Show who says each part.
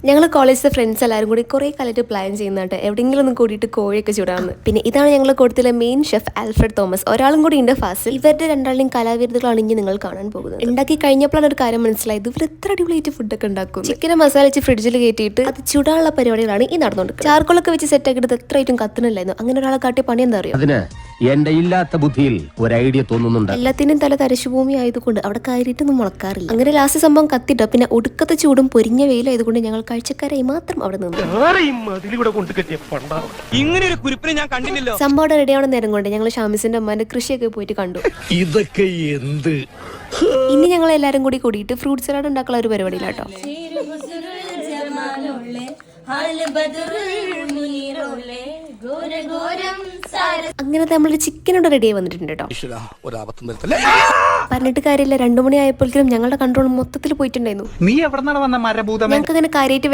Speaker 1: ഞങ്ങൾ കോളേജിലെ ഫ്രണ്ട്സ് എല്ലാവരും കൂടി കുറേ കാലത്ത് പ്ലാൻ ചെയ്യുന്നുണ്ട് എവിടെയെങ്കിലും ഒന്ന് കൂടിയിട്ട് കോഴിയൊക്കെ ചൂടാന്ന്. പിന്നെ ഇതാണ് ഞങ്ങൾ കൊടുത്തിലെ മെയിൻ ഷെഫ് ആൽഫ്രഡ് തോമസ്. ഒരാളും കൂടി ഉണ്ട് ഫാസിൽ. ഇവരുടെ രണ്ടാളുടെയും കലാവിരുദ്ധകളാണ് ഇനി നിങ്ങൾ കാണാൻ പോകുന്നത്. ഉണ്ടാക്കി കഴിഞ്ഞപ്പോഴാണ് ഒരു കാര്യം മനസ്സിലായത്, ഇവർ എത്ര അടിപൊളിയായിട്ട് ഫുഡൊക്കെ ഉണ്ടാക്കും. ചിക്കനെ മസാല വെച്ച് ഫ്രിഡ്ജിൽ കയറ്റിയിട്ട് അത് ചൂടാനുള്ള പരിപാടികളാണ് ഈ നടന്നുകൊടുക്കുന്നത്. ചാർക്കോളൊക്കെ വെച്ച് സെറ്റ് ആക്കിയിട്ട് എത്രയായിട്ടും കത്തുന്നില്ലായിരുന്നു. അങ്ങനെ ഒരാളെ കാട്ടിയ പണി എന്താ അറിയോ?
Speaker 2: എന്റെ ഇല്ലാത്ത ബുദ്ധിയിൽ ഒരു ഐഡിയ തോന്നുന്നുണ്ട്.
Speaker 1: എല്ലാത്തിനും തല തരിശുഭൂമി ആയതുകൊണ്ട് അവിടെ കയറിയിട്ടൊന്നും മുളക്കാറില്ല. അങ്ങനെ ലാസ്റ്റ് സംഭവം കത്തിട്ടോ. പിന്നെ ഒടുക്കത്തെ ചൂടും പൊരിഞ്ഞ വെയിലായതുകൊണ്ട് ഞങ്ങൾ കാഴ്ചക്കാരായി മാത്രം അവിടെ നിന്നു. സംഭവം റെഡിയാവണ നേരം കൊണ്ട് ഞങ്ങൾ ഷാമിസിന്റെ അമ്മാന്റെ കൃഷിയൊക്കെ പോയിട്ട് കണ്ടു.
Speaker 3: ഇതൊക്കെ എന്ത്
Speaker 1: ഇനി ഞങ്ങൾ എല്ലാരും കൂടി കൂടിയിട്ട് ഫ്രൂട്ട് സലാഡ് ഉണ്ടാക്കാനുള്ള ഒരു പരിപാടിയിലാട്ടോ. അങ്ങനെ നമ്മളൊരു ചിക്കനോട് റെഡിയായി വന്നിട്ടുണ്ട് കേട്ടോ. പറഞ്ഞിട്ട് കാര്യമില്ല, 2 മണി ആയപ്പോഴേക്കും ഞങ്ങളുടെ കൺട്രോൾ മൊത്തത്തിൽ പോയിട്ടുണ്ടായിരുന്നു.
Speaker 4: നീ എവിടെ വന്ന മരഭൂതം?
Speaker 1: ഞങ്ങൾക്ക് അങ്ങനെ കാര്യമായിട്ട്